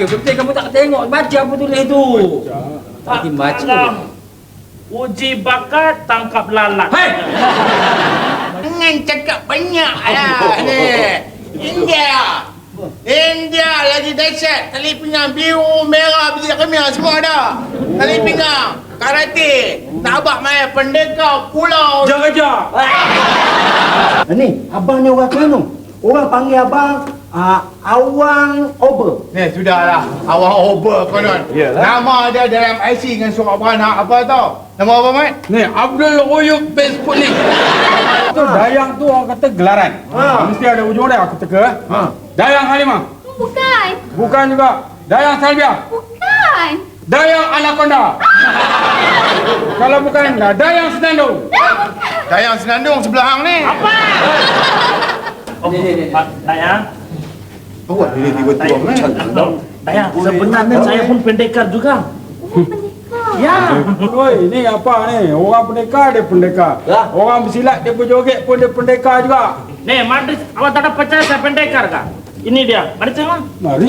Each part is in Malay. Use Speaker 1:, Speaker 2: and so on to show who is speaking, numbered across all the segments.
Speaker 1: Betul kamu tak tengok baca apa tulis tu. Tak baca.
Speaker 2: Uji bakat tangkap lalat.
Speaker 1: Hei.
Speaker 3: Jangan cakap banyak lah ni. India lagi dahsyat. Tali pinggang biru, merah, biru kemia semua ada. Tali pinggang, karate, nak abang main pendekar, pulau.
Speaker 2: Kejar.
Speaker 4: Ni, abang ni orang Kelantan. Orang panggil abang Awang Ober.
Speaker 3: Ni sudahlah, awang over konon. Nama dia dalam IC dengan surat beranak apa tau? Nama apa, Mat?
Speaker 5: Ni Abdul Oyub Base Putnik. Tu Dayang tu orang kata gelaran. Mesti ada ujung dia aku teka. Dayang Halimah.
Speaker 6: Bukan.
Speaker 5: Bukan juga. Dayang Salbia.
Speaker 6: Bukan.
Speaker 5: Dayang Anaconda. Kalau bukan Dayang Senandung.
Speaker 3: Dayang Senandung sebelah hang ni.
Speaker 2: Apa? Dayang.
Speaker 3: Awak dia tiba tuang ni.
Speaker 2: Dayang, sebenarnya saya pun pendekar juga. Ya.
Speaker 5: Oi, ni apa ni? Orang pendekar dia pendekar. Orang bersilat dia berjoget pun dia pendekar juga.
Speaker 2: Nih, Madris, awak tak ada percaya saya pendekar kah? Ini dia. Mari tengok.
Speaker 5: Mari.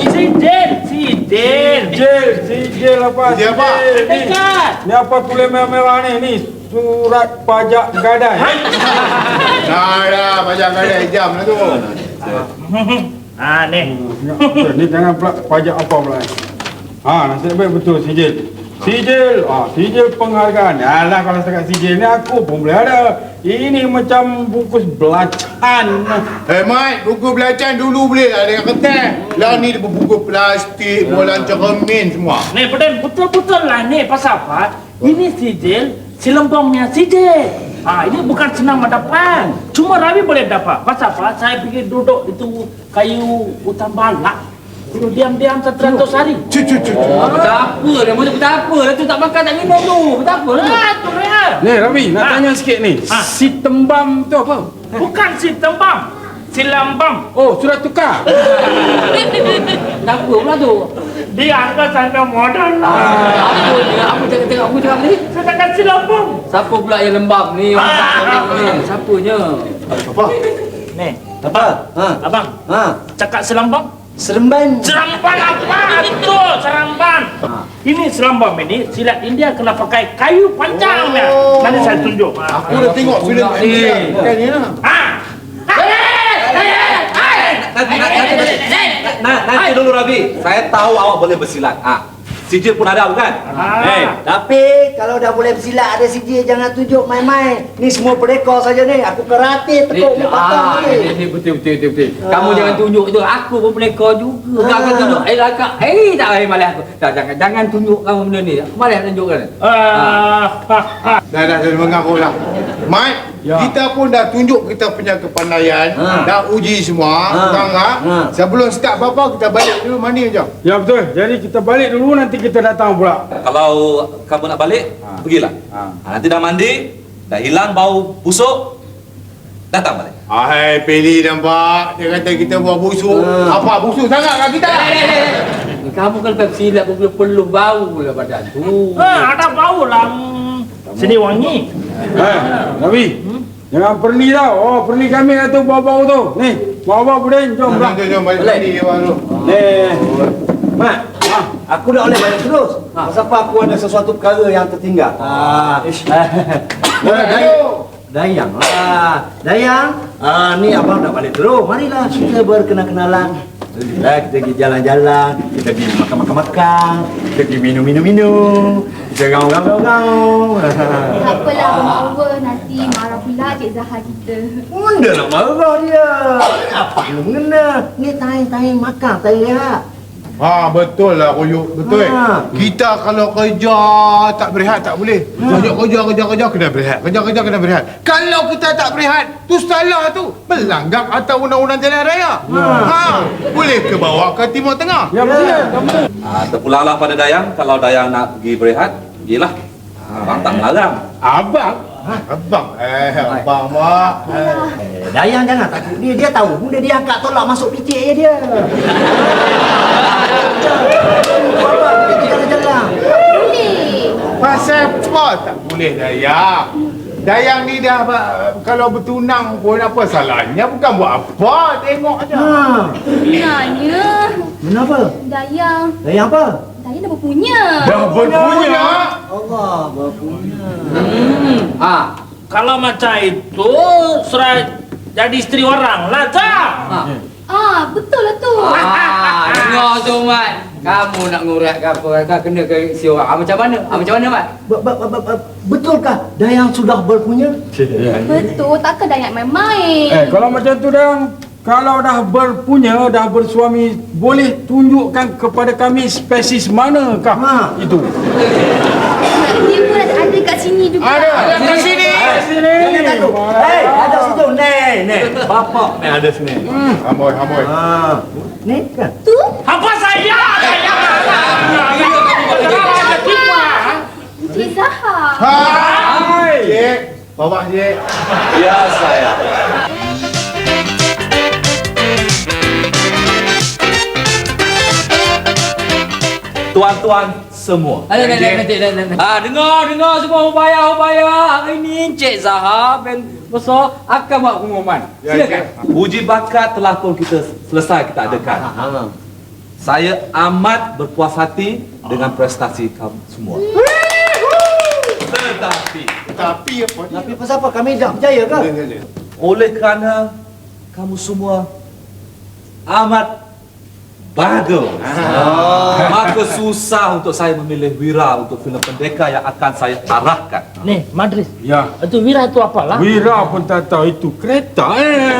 Speaker 5: Sijil apa?
Speaker 3: Sijil apa?
Speaker 2: Pendekar.
Speaker 5: Ni apa tulis merah-merah ni? Ni surat pajak gadai.
Speaker 3: Nah dah, pajak gadai jam lah tu.
Speaker 2: Nih.
Speaker 5: Ni jangan pula pajak apa pula. Nasib baik betul sijil. Sijil penghargaan. Alah kalau setakat sijil ni aku pun boleh ada. Ini macam bungkus belacan.
Speaker 3: Mat, buku belacan dulu boleh lah dengan kertas. Lah ni dia buku plastik, bola cermin semua.
Speaker 2: Nih, betul-betul lah nih. Pasal apa? Ini sijil, silembongnya sijil. Ini bukan senang mendapat. Cuma Rabi boleh dapat. Pasal apa? Saya pergi duduk itu kayu hutan balak. Dulu diam-diam 100 hari.
Speaker 1: Betapa dia macam betapa lah tu tak makan tak minum tu. Betapa lah.
Speaker 2: Tu ya.
Speaker 5: Ni Rabi nak tanya sikit ni. Si tembam tu apa?
Speaker 2: Bukan si tembam. Si lambam.
Speaker 5: Oh, sudah tukar.
Speaker 1: Betapa pula tu.
Speaker 2: Dia angkat sampai modal lah.
Speaker 1: Apa ni? Apa cakap aku cakap ni?
Speaker 2: Saya takkan si lambam.
Speaker 1: Siapa pula yang lembab ni? Orang tak ni. Siapanya?
Speaker 3: Apa?
Speaker 2: Nih,
Speaker 4: Apa?
Speaker 2: abang. Cakap si lambam.
Speaker 4: Seremban.
Speaker 2: Seramban apa itu? Seramban. Ini serambam ini silat India kena pakai kayu panjang ya. Nanti saya tunjuk.
Speaker 3: Aku dah tengok filem India. Kan ni lah.
Speaker 7: Nanti dulu Rabi, saya tahu awak boleh bersilat. Sijil pun ada bukan?
Speaker 4: Tapi kalau dah boleh bersilat ada sijil jangan tunjuk main-main. Ni semua pelekor saja ni. Aku karate tekuk muka patah ni.
Speaker 1: Ni betul. Kamu jangan tunjuk tu. Aku pun pelekor juga. Kau akan tunjuk. Tak malah aku. Jangan tunjuk kamu benda ni. Aku malah tunjukkan.
Speaker 3: Dah mengaku lah. Mat, kita pun dah tunjuk kita punya kepandaian. Dah uji semua. Sebelum start apa-apa kita balik dulu mandi je.
Speaker 5: Ya betul. Jadi kita balik dulu nanti kita datang pula.
Speaker 7: Kalau kamu nak balik, pergilah. Nanti dah mandi, dah hilang bau busuk, datang balik.
Speaker 3: Peli nampak. Dia kata kita buat busuk. Apa busuk sangat kat kita?
Speaker 1: Kamu kan silat pun perlu bau lah badan tu.
Speaker 2: Ada bau lah. Sini wangi.
Speaker 5: Rabi. Jangan perni tau. Oh, perni kami tu bau-bau tu. Ni, bawa Budin, jom pula.
Speaker 3: Jom balik mandi dia baru.
Speaker 4: Mat, aku dah boleh balik terus. Pasal apa aku ada sesuatu perkara yang tertinggal. Dayang lah. Dayang, ni abang dah balik terus. Marilah kita berkenal-kenalan. Kita pergi jalan-jalan, kita pergi makan-makan, kita pergi minum-minum, kita gaul-gaul.
Speaker 6: Tak apalah Abang Over, nanti marah pula Cik Zahar kita.
Speaker 4: Benda nak marah dia. Apa yang mengena? Ni time makan, time rehat.
Speaker 3: Betul lah Koyuk. Betul. Kita kalau kerja tak berehat tak boleh. Kerja kena berehat. Kerja kena berehat. Kalau kita tak berehat, tu salah tu. Melanggar atas undang-undang jalan raya. Boleh ke bawa ke Timur Tengah?
Speaker 5: Ya betul.
Speaker 7: Terpulanglah pada Dayang. Kalau Dayang nak pergi berehat, pergilah. Abang tak melarang.
Speaker 5: Abang?
Speaker 3: Abang? Abang mak.
Speaker 4: Dayang jangan takut dia tahu. Bunda dia angkat tolak masuk picit dia. Jalan-jalan.
Speaker 6: Boleh.
Speaker 3: Pasal apa tak boleh Dayang? Dayang ni dah kalau bertunang pun apa salahnya? Bukan buat apa, tengok aja.
Speaker 6: Sebenarnya
Speaker 4: Kenapa?
Speaker 6: Dayang
Speaker 4: Apa?
Speaker 6: Dayang dah berpunya.
Speaker 3: Dah berpunya.
Speaker 4: Allah berpunya.
Speaker 2: Kalau macam itu, serah jadi isteri orang lah, tak?
Speaker 6: Betul lah tu.
Speaker 1: Dengar tu, Mat. Kamu nak ngurat ke apa? Kau kena ke si orang. Macam mana? Macam mana, Mat?
Speaker 4: Betulkah Dayang sudah berpunya?
Speaker 6: Betul, takkan Dayang main-main.
Speaker 5: Kalau macam tu dah, kalau dah berpunya, dah bersuami, boleh tunjukkan kepada kami spesies manakah itu?
Speaker 6: Dia pun ada kat sini juga.
Speaker 3: Ada kat sini.
Speaker 4: Jangan takut. Ada situ. Ni. Bapak ni ada sini.
Speaker 3: Amboi.
Speaker 4: Ni kan?
Speaker 6: Tu?
Speaker 2: Apa saya?
Speaker 6: Encik Zahar.
Speaker 3: Hai. Cik. Bapak cik.
Speaker 7: Ya saya. Tuan-tuan semua.
Speaker 1: Dengar semua upaya. Hari ni Encik Zahar bin besar akan buat pengumuman. Silakan.
Speaker 7: Uji bakat telah pun kita selesai kita adakan. Saya amat berpuas hati dengan prestasi kamu semua.
Speaker 3: Tapi apa ni?
Speaker 4: Tapi pasal apa kami dah berjaya ke?
Speaker 7: Oleh kerana kamu semua amat bagus. Maka susah untuk saya memilih Wira untuk filem pendekar yang akan saya arahkan.
Speaker 2: Ni, Madris.
Speaker 5: Ya.
Speaker 2: Itu Wira itu apalah?
Speaker 5: Wira pun tak tahu itu kereta.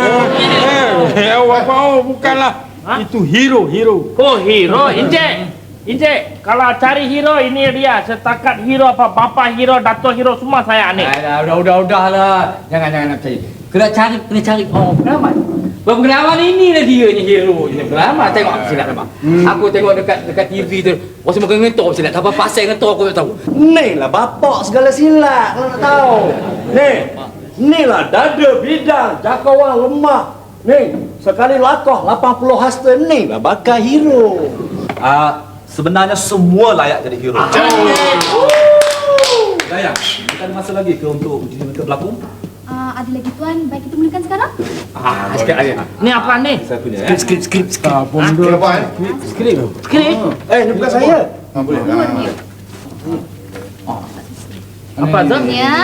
Speaker 5: Bukanlah. Itu hero.
Speaker 2: Oh, hero. Encik, kalau cari hero ini dia. Setakat hero apa, bapa hero, datuk hero, semua saya ni.
Speaker 1: Udahlah. Jangan nak percaya. Kena cari orang pengalaman. Pengalaman inilah dia ni hero ni. Pengalaman tengok apa silap nampak. Aku tengok dekat TV tu. Orang semua ngentor silap. Tak apa pasal ngentor aku tak tahu.
Speaker 4: Ni lah bapak segala silap kalau nak tahu. Ni lah dada bidang, jakawan lemah. Ni, sekali lakoh 80 hasta ni lah bakal hero.
Speaker 7: Sebenarnya semua layak jadi hero. Dayang, kita ada masa lagi ke untuk uji mereka berlakon?
Speaker 6: Ada lagi tuan, baik kita mulakan sekarang.
Speaker 1: Sikit aja.
Speaker 2: Ni apa ni?
Speaker 7: Saya punya ya.
Speaker 4: Skrip.
Speaker 3: Kenapa?
Speaker 2: Skrip.
Speaker 4: Ni bukan saya.
Speaker 3: Boleh.
Speaker 2: Apa tu?
Speaker 6: Ya.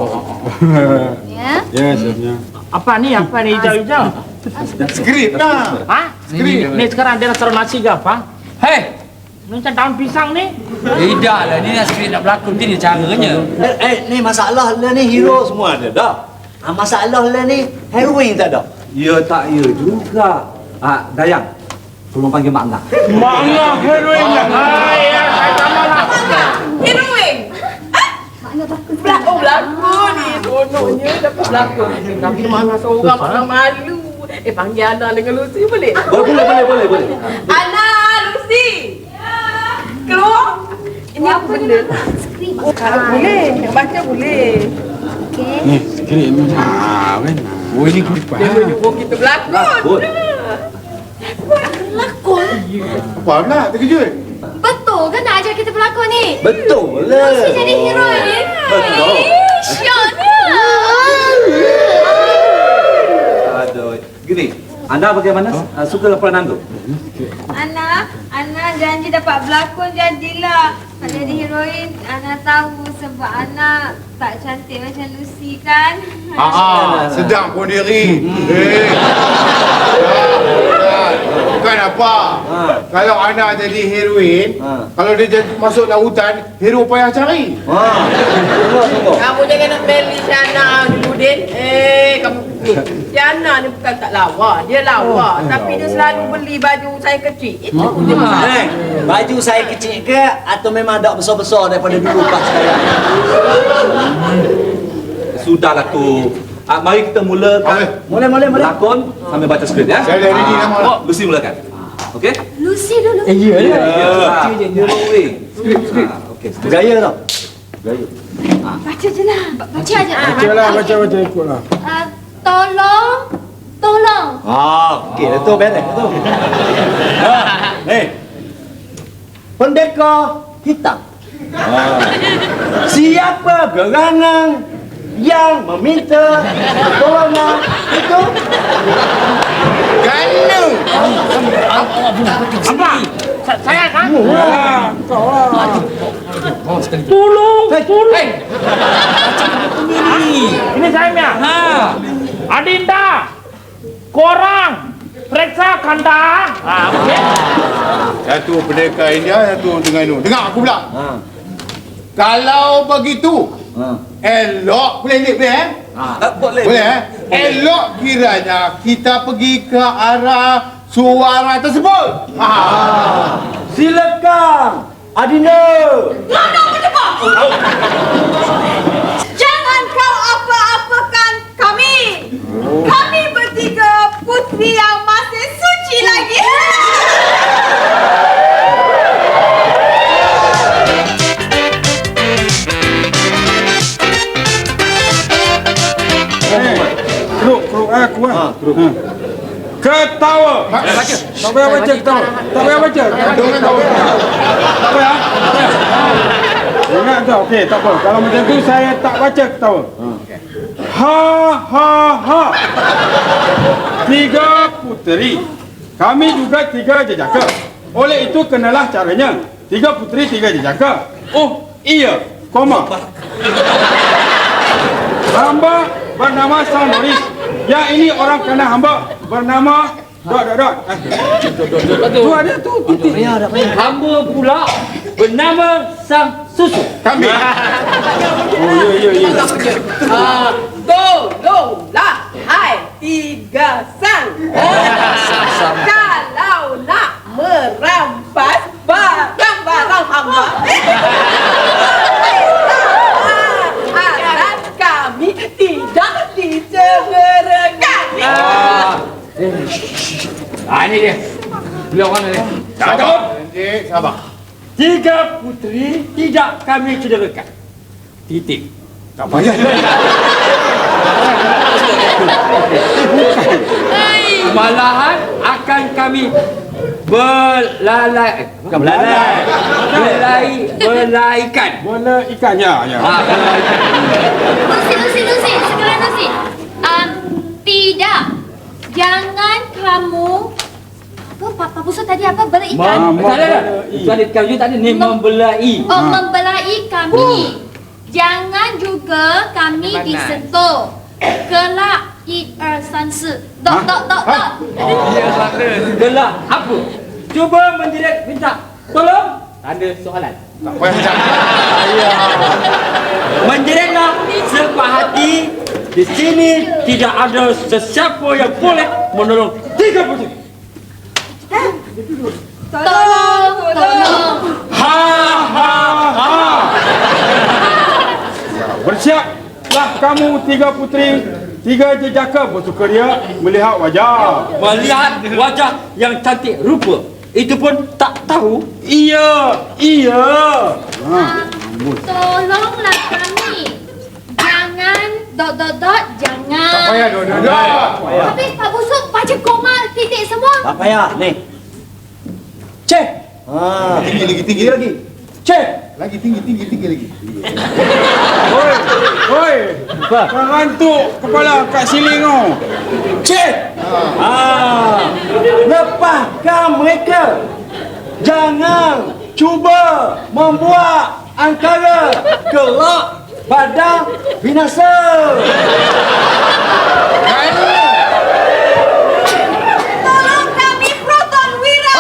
Speaker 5: Ya, sebenarnya.
Speaker 2: Apa ni hijau-hijau?
Speaker 3: Skrip lah.
Speaker 2: Ni sekarang dia nak taruh nasi ke apa?
Speaker 1: Hei,
Speaker 2: Ni macam daun pisang ni.
Speaker 1: tidaklah ni nak skrip nak berlakon ni caranya.
Speaker 4: Ni masalah lah ni hero semua ada dah. Masalah lah ni heroin tak ada.
Speaker 7: Ya tak ya juga. Dayang, tolong panggil Makna.
Speaker 5: Makna heroin lah.
Speaker 2: Saya sama lah.
Speaker 8: Heroin.
Speaker 6: Makna takut.
Speaker 8: Berlakon ni. Kononnya dapat berlakon. Tapi mana seorang makna malu. Panggil Ana dengan Lucy boleh?
Speaker 7: Boleh.
Speaker 8: Ana, Lucy. Keluar. Ini apa benda?
Speaker 6: Skrip.
Speaker 8: Kalau boleh, yang baca boleh.
Speaker 6: Okey.
Speaker 5: Ni, skrip ni. Kan? Oh, ini kulipan.
Speaker 8: Dia menyuruh kita berlakon.
Speaker 6: Lakon.
Speaker 3: Apa nak? Terkejut.
Speaker 6: Betul kan nak ajar kita berlakon ni?
Speaker 4: Betul
Speaker 6: Lucy
Speaker 4: lah.
Speaker 6: jadi heroin.
Speaker 4: Betul.
Speaker 6: Syoknya.
Speaker 7: Aduh. Gini, anda bagaimana? Suka peranan tu?
Speaker 9: Ana janji dapat berlakon jadilah. Nak jadi heroin, Ana tahu sebab Ana tak cantik macam Lucy kan?
Speaker 3: Sedang pun diri. Bukan apa. Kalau Ana jadi heroin, kalau dia jadi masuk dalam hutan, hero payah cari.
Speaker 4: Tunggu.
Speaker 8: Kamu jangan nak beli Syana dulu, Din. Kamu Syana ni bukan tak lawa. Dia lawa. Tapi dia selalu beli baju saya kecil. Itu dia masalah.
Speaker 4: Baju saya kecil ke atau memang ada besar-besar daripada dulu pas sekarang?
Speaker 7: Sudahlah tu. Mari kita mulakan.
Speaker 4: Boleh.
Speaker 7: Lakon sambil baca skrip ya.
Speaker 3: Saya dah ready nama.
Speaker 7: Lucy mulakan. Okey?
Speaker 6: Lucy dulu.
Speaker 7: Skrip. Okey.
Speaker 4: Gaya tau.
Speaker 6: Baca je lah. Baca aja.
Speaker 5: Baca ikutlah.
Speaker 6: Tolong.
Speaker 4: Okey, itu beres tu. Pendekar hitam. Siapa gerangan yang meminta pertolongan itu?
Speaker 3: Ganu.
Speaker 2: Apa? Saya kan?
Speaker 5: Kau lah.
Speaker 2: Tolong, tolong.
Speaker 1: Ini.
Speaker 2: Ini saya punya.
Speaker 1: Ha.
Speaker 2: Adinda, korang periksa kandang. Okey.
Speaker 3: Satu pendekar India, satu dengan itu. Dengar aku pula. Kalau begitu, elok boleh lihat boleh
Speaker 7: Boleh.
Speaker 3: Boleh elok kiranya kita pergi ke arah suara tersebut.
Speaker 4: Silakan, Adinda.
Speaker 9: Jangan kau apa-apakan kami. Kami bertiga putri yang masih suci lagi.
Speaker 5: Keruk aku lah. Ketawa. Tak payah baca ketawa. Tak payah baca. Tak payah. Ingat tu, okey, tak apa. Kalau macam tu saya tak baca ketawa. Ha ha ha. 3 puteri. Kami juga 3 jejaka. Oleh itu kenalah caranya. 3 puteri 3 jejaka. Oh, iya. Koma. Hamba bernama Sang Noris. Yang ini orang kena hamba bernama dot. Tu ada tu titik.
Speaker 1: Hamba pula bernama Sang Susu.
Speaker 3: Kami.
Speaker 5: Oh ya.
Speaker 8: Tolonglah, hai tiga sang. Kalau nak merampas barang-barang hamba, alat kami tidak dicengerkan.
Speaker 1: Ini dia. Beliau mana ni?
Speaker 3: Sabar. Encik, sabar.
Speaker 1: 3 puteri tidak kami cederakan. Titik.
Speaker 3: Tak payah.
Speaker 1: Malahan akan kami belaikan.
Speaker 5: Bola ikan ya.
Speaker 9: Nusi, sekarang Nusi. Tidak. Jangan kamu Apa Busu tadi apa? Belaikan?
Speaker 1: Tadi kau tadi ni membelai.
Speaker 9: Oh, membelai kami. Jangan juga kami disentuh. Kelak 1, 2, 3. Dot.
Speaker 1: Gelak apa? Cuba menjerit minta tolong. Ada soalan.
Speaker 3: Tak payah.
Speaker 1: Menjeritlah sepuas hati. Di sini tidak ada sesiapa yang boleh menolong 3 puteri.
Speaker 9: Tolong.
Speaker 5: Ha. Bersiaplah kamu 3 puteri, 3 jejaka bersukaria melihat wajah.
Speaker 1: Melihat wajah yang cantik rupa. Itu pun tak tahu.
Speaker 5: Iya.
Speaker 9: Tolonglah kami. Jangan dot. Jangan.
Speaker 3: Tak payah dot.
Speaker 9: Habis Pak Busuk baca koma titik semua.
Speaker 4: Tak payah, ni.
Speaker 1: Cek.
Speaker 3: Tinggi lagi.
Speaker 1: Cek.
Speaker 3: Lagi tinggi lagi.
Speaker 5: Oi. Jangan tu kepala kat siling kau.
Speaker 1: Cek.
Speaker 4: Lepaskan mereka. Jangan cuba membuat angkara kelak pada binasa.
Speaker 9: Tolong kami Proton Wira.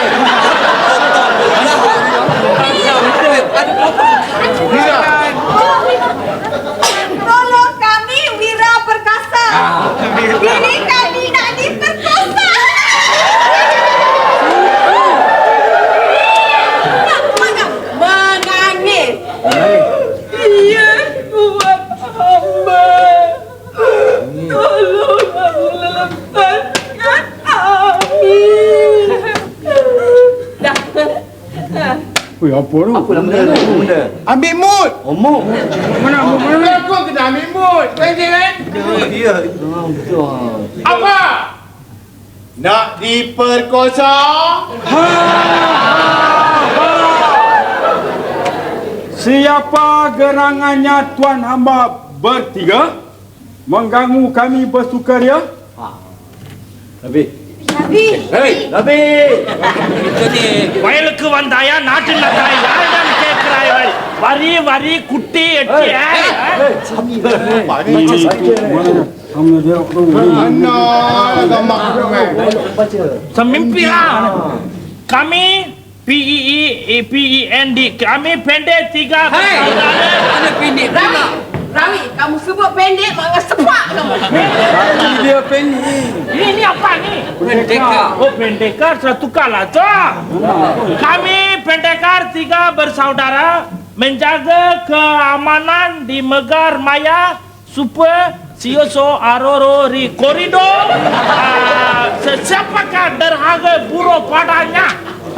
Speaker 9: Tolong kami Wira Perkasa. Diri kami nak diperkosa.
Speaker 8: Menangis. Dia buat hamba. Tolonglah lepaskan kami. Dah.
Speaker 5: Oi, apa tu?
Speaker 4: Apa benda?
Speaker 3: Ambil mood.
Speaker 4: Omong.
Speaker 5: Mana?
Speaker 3: Aku kena ambil mood. Tadi kan?
Speaker 4: Ya. Betul.
Speaker 3: Apa? Nak diperkosa?
Speaker 5: Siapa gerangannya tuan hamba bertiga mengganggu kami bersukaria.
Speaker 4: Lebih.
Speaker 9: Nabi.
Speaker 4: Lebih.
Speaker 2: வயலுக்கு வந்தாயா நாட்டில் நட்டாயா யாரிடம் கேட்கிறாய் வரி வரி குட்டி எட்டி
Speaker 5: Mana dia tu?
Speaker 3: Mana gambar tu kan?
Speaker 2: Semimpilah. Kami PEND kami pendek 3 bersaudara.
Speaker 1: Mana pendek pula?
Speaker 8: Rawi, kamu sebut pendek mak sepak kamu.
Speaker 5: Dia pendek.
Speaker 2: Ini apa ni?
Speaker 1: Pendekar.
Speaker 2: Oh pendekar, saya tukarlah tu. Kami pendekar 3 bersaudara menjaga keamanan di Megar Maya supaya Sioso Aroro Ri koridor. Siapakah derhaka buruh padanya?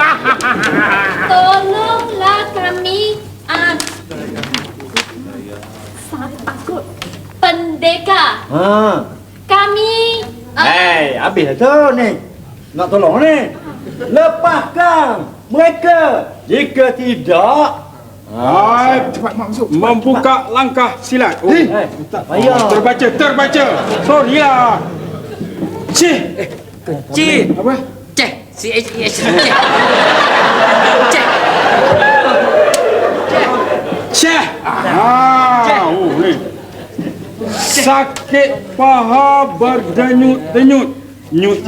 Speaker 6: Tolonglah kami pendekar. Kami
Speaker 4: Habis tu ni. Nak tolong ni. Lepaskan mereka. Jika tidak,
Speaker 3: Cepat mak masuk.
Speaker 5: Membuka langkah silat. Oh,
Speaker 4: tak payah.
Speaker 5: terbaca. Sorry lah. Cih.
Speaker 1: Cik.
Speaker 5: Apa?
Speaker 1: Cek. CHEH. Cek. Cek.
Speaker 5: Cih. Oh, ni. Sakit paha berdenyut-denyut. Nyut.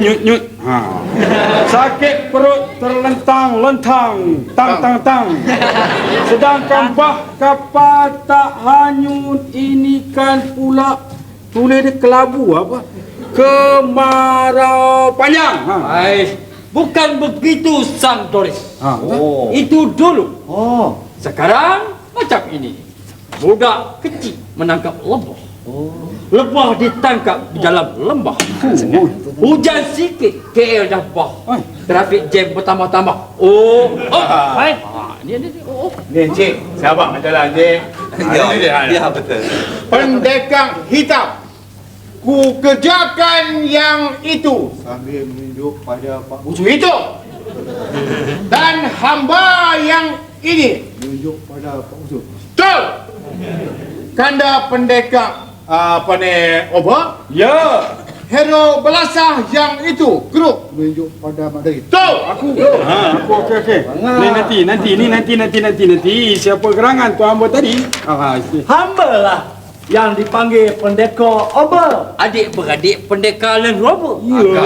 Speaker 5: Sakit perut terlentang-lentang. Tang. Sedangkan bah kapal tak hanyut. Ini kan pula tulis dia kelabu apa? Kemarau panjang.
Speaker 1: Baik. Bukan begitu Sang Doris.
Speaker 4: Oh.
Speaker 1: Itu dulu.
Speaker 4: Oh.
Speaker 1: Sekarang macam ini. Budak kecil menangkap lebah. Lebah ditangkap di dalam lembah. Hujan sikit KL dah bah. Trafik jam bertambah-tambah. Baik. Ni.
Speaker 3: Ni Encik, sabar jalan Encik.
Speaker 7: Ya betul.
Speaker 3: Pendekar hitam. Ku kerjakan yang itu sambil menunjuk pada Pak Busu itu. Dan hamba yang ini menunjuk pada Pak Busu. Betul. Kanda pendekar apa ni Oba?
Speaker 5: Ya.
Speaker 3: Hero belasah yang itu grup menunjuk pada Mak Dari. Betul.
Speaker 5: Aku okey. Ni nanti siapa gerangan tu hamba tadi?
Speaker 4: Hamba lah yang dipanggil pendekar Oba.
Speaker 1: Adik-beradik pendekar Land Rover.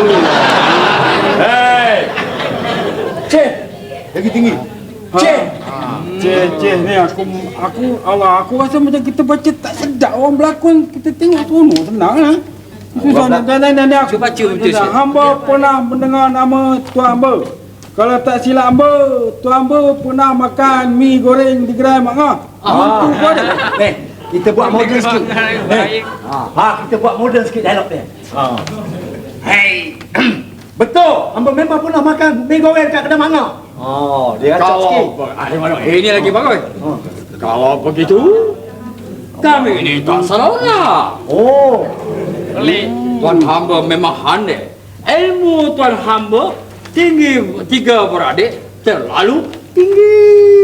Speaker 4: Hei. Cik.
Speaker 3: Lagi tinggi.
Speaker 4: Cik.
Speaker 5: Ceh ni aku rasa macam kita baca tak sedap orang berlakon, kita tengok seronok senang lah. Susah nak aku.
Speaker 1: Cuba baca betul sikit.
Speaker 5: Hamba pernah mendengar nama tuan hamba. Kalau tak silap hamba, tuan hamba pernah makan mi goreng di gerai Mak Ngah. Tu ada.
Speaker 4: Kita buat moden sikit. Kita buat moden sikit dialog dia. Hei. Betul, hamba memang pernah makan mi goreng kat kedai Mak Ngah. Dia acak sikit.
Speaker 1: Ini lagi bagus. Kalau begitu, kami ini tak salah. Tuan hamba memang handai. Ilmu tuan hamba tinggi 3 beradik terlalu tinggi.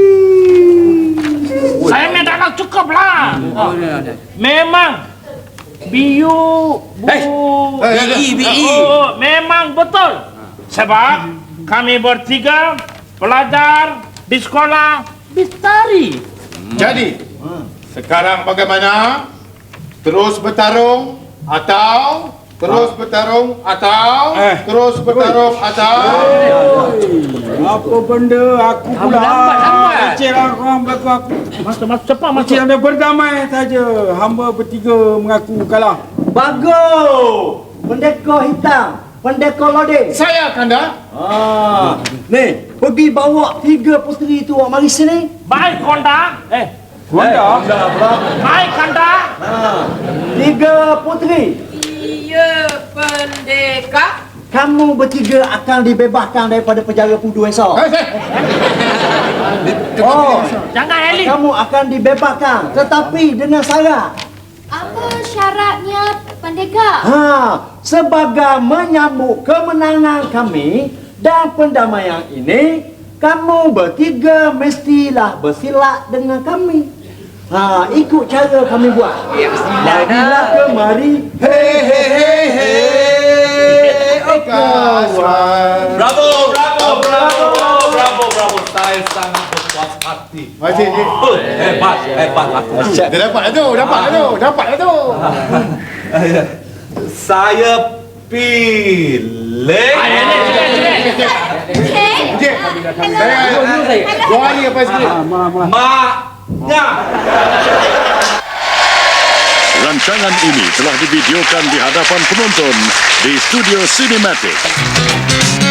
Speaker 2: Saya minta nak cukuplah. Memang BI. Memang betul. Sebab kami bertiga belajar di sekolah Bistari.
Speaker 3: Jadi, sekarang bagaimana? Terus bertarung atau terus bertarung atau terus bertarung atau
Speaker 5: Apa benda aku pula. Encik orang berlaku aku.
Speaker 2: Masuk cepat masuk.
Speaker 5: Encik anda berdamai saja. Hamba bertiga mengaku kalah.
Speaker 4: Bagus. Pendekar hitam. Pendekar lodeh.
Speaker 3: saya Kanda.
Speaker 4: Ni, pergi bawa 3 puteri tu awak mari sini.
Speaker 2: Baik Konda.
Speaker 5: Wanda.
Speaker 2: Baik Konda.
Speaker 4: 3 puteri.
Speaker 8: Iya pendekar.
Speaker 4: Kamu bertiga akan dibebaskan daripada penjara Pudu esok.
Speaker 2: Jangan Eli.
Speaker 4: Kamu akan dibebaskan, tetapi dengan syarat.
Speaker 6: Apa syaratnya pendekar?
Speaker 4: Sebagai menyambut kemenangan kami dan pendamaian ini, kamu bertiga mestilah bersilat dengan kami. Ikut cara kami buat. Marilah kemari.
Speaker 3: Hei, hei, hei, hei. Kawan.
Speaker 7: Bravo. Saya sangat berpuas hati.
Speaker 3: Masih ni.
Speaker 7: Hebat aku.
Speaker 3: Dia dapat lah tu.
Speaker 7: Saya pilih.
Speaker 3: Encik. Dua hari apa sikit?
Speaker 7: Maknya.
Speaker 10: Rancangan ini telah divideokan di hadapan penonton di Studio Cinematic.